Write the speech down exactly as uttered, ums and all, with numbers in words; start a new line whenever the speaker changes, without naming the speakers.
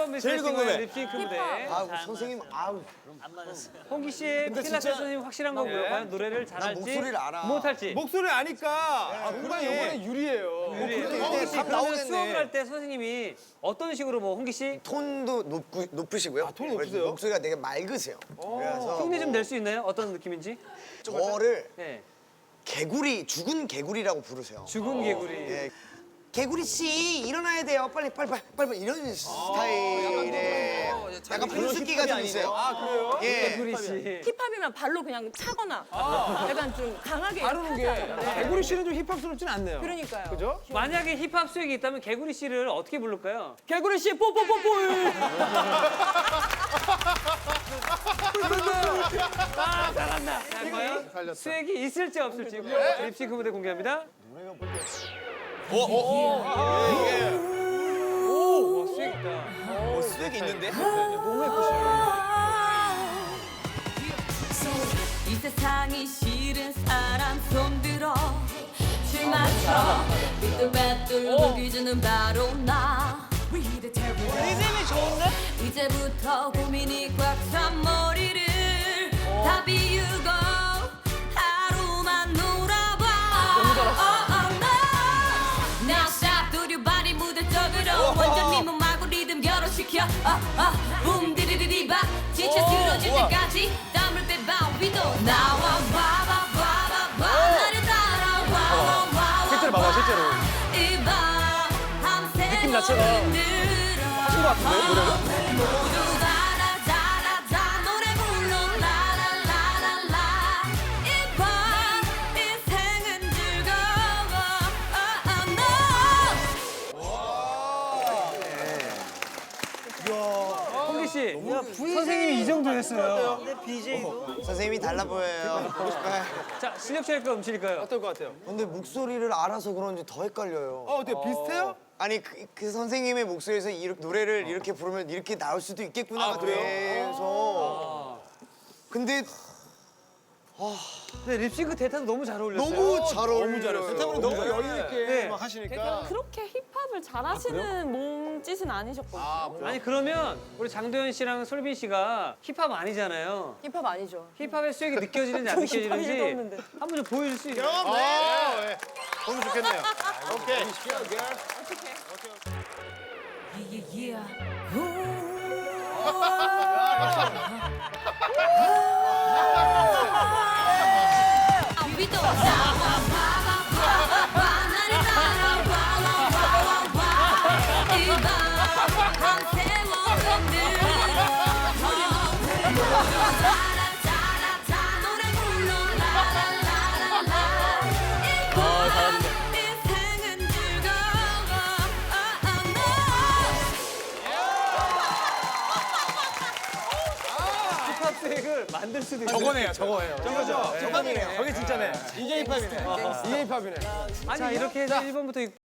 처음
제일 궁금해.
립싱크 무대.
아우 선생님 아우
홍기 씨의 필라테스 선생님 확실한 거고요.
네.
과연 노래를
난
잘할지
목소리를 알아.
못할지.
목소리 아니까. 아, 그러면 이번에 유리해요.
유리해요.
근데
홍기
이게
씨
답
그러면
나오겠네.
수업을 할 때 선생님이 어떤 식으로 뭐 홍기 씨
톤도 높고, 높으시고요.
아, 톤이 높으세요?
목소리가 되게 맑으세요. 그래서
흉내 좀 낼 수 있나요? 어떤 느낌인지?
저를
네.
개구리 죽은 개구리라고 부르세요.
죽은 개구리.
예. 개구리 씨 일어나야 돼요. 빨리 빨리 빨리 빨리 이런 스타일의 약간 분수기가 좀 있어요.
아, 그래요?
예.
개구리 씨.
힙합이면 발로 그냥 차거나 약간 좀 강하게
다루는 게
하잖아요.
개구리 씨는 좀 힙합스럽진 않네요.
그러니까요.
그죠?
만약에 힙합 수익이 있다면 개구리 씨를 어떻게 부를까요?
개구리 씨 뽀뽀뽀뽀.
아 잘한다. 자, 과연 수액이 있을지 없을지 립싱크 무대 공개합니다. 오, 오, 오, 수액 있다.
어, 스웩이 있는데?
이 세상이 싫은 사람 손들어 줄 맞춰 삐뚤빼뚤 보기주는 바로 나 리듬이 좋은데? 이제부터 고민이 꽉 찬 머리를 다 비우고 하루만 놀아봐 너무 잘했어 Now stop do your body 무대적으로 완전 네 몸하고 리듬 결혼시켜 아, 아, 붐 디디디디바 지쳐 쓰러질 때까지 땀을 빼봐 위도 나와 봐봐 봐봐 봐 나를 따라와 와 실제로 봐봐 실제로 이밤 밤새 느낌 자체가 하신 것 같은데 노래를? 모두 다라다라다 노래 불러 라라라라라 이밤 인생은 즐거워
홍기 씨, 선생님이 이 정도 했어요.
선생님이 달라 보여요. 보고 싶어요.
자, 실력자일까요, 음실일까요?
어떨 것 같아요?
근데 목소리를 알아서 그런지 더 헷갈려요.
어, 어때요? 비슷해요?
아니 그, 그 선생님의 목소리에서 이 노래를 이렇게 부르면 이렇게 나올 수도 있겠구나.
아, 그래요?
그래서 근데
근데 립싱크 대타도 너무 잘 어울렸어요.
너무 잘 어울려요.
너무 잘했어요. 대타분이 너무 여유 있게
네.
막 하시니까.
그렇게 힙합을 잘하시는 몸짓은 아니셨거든요.
아니 그러면 우리 장도연 씨랑 솔빈 씨가 힙합 아니잖아요.
힙합 아니죠.
힙합의 수익이 느껴지는지 안
좀 힙합이
느껴지는지
읽었는데.
한번 좀 보여줄 수 있나요?
아, 네. 너무 좋겠네요. 오케이.
yeah, yeah. 위도 나와 봐봐 봐봐 나를 따라와 와와와 이밤 밤새워 흔들어 따라따라따 노래 불러 라라라라라 이밤 인생은 즐거워
힙합 수익을 만들 수도 있어요.
저거네요, 저거예요. 저거죠? 저거네요. 저게 진짜네. 이게 힙합이네. 이게 힙합이네.
아니 이렇게 해서 일 번부터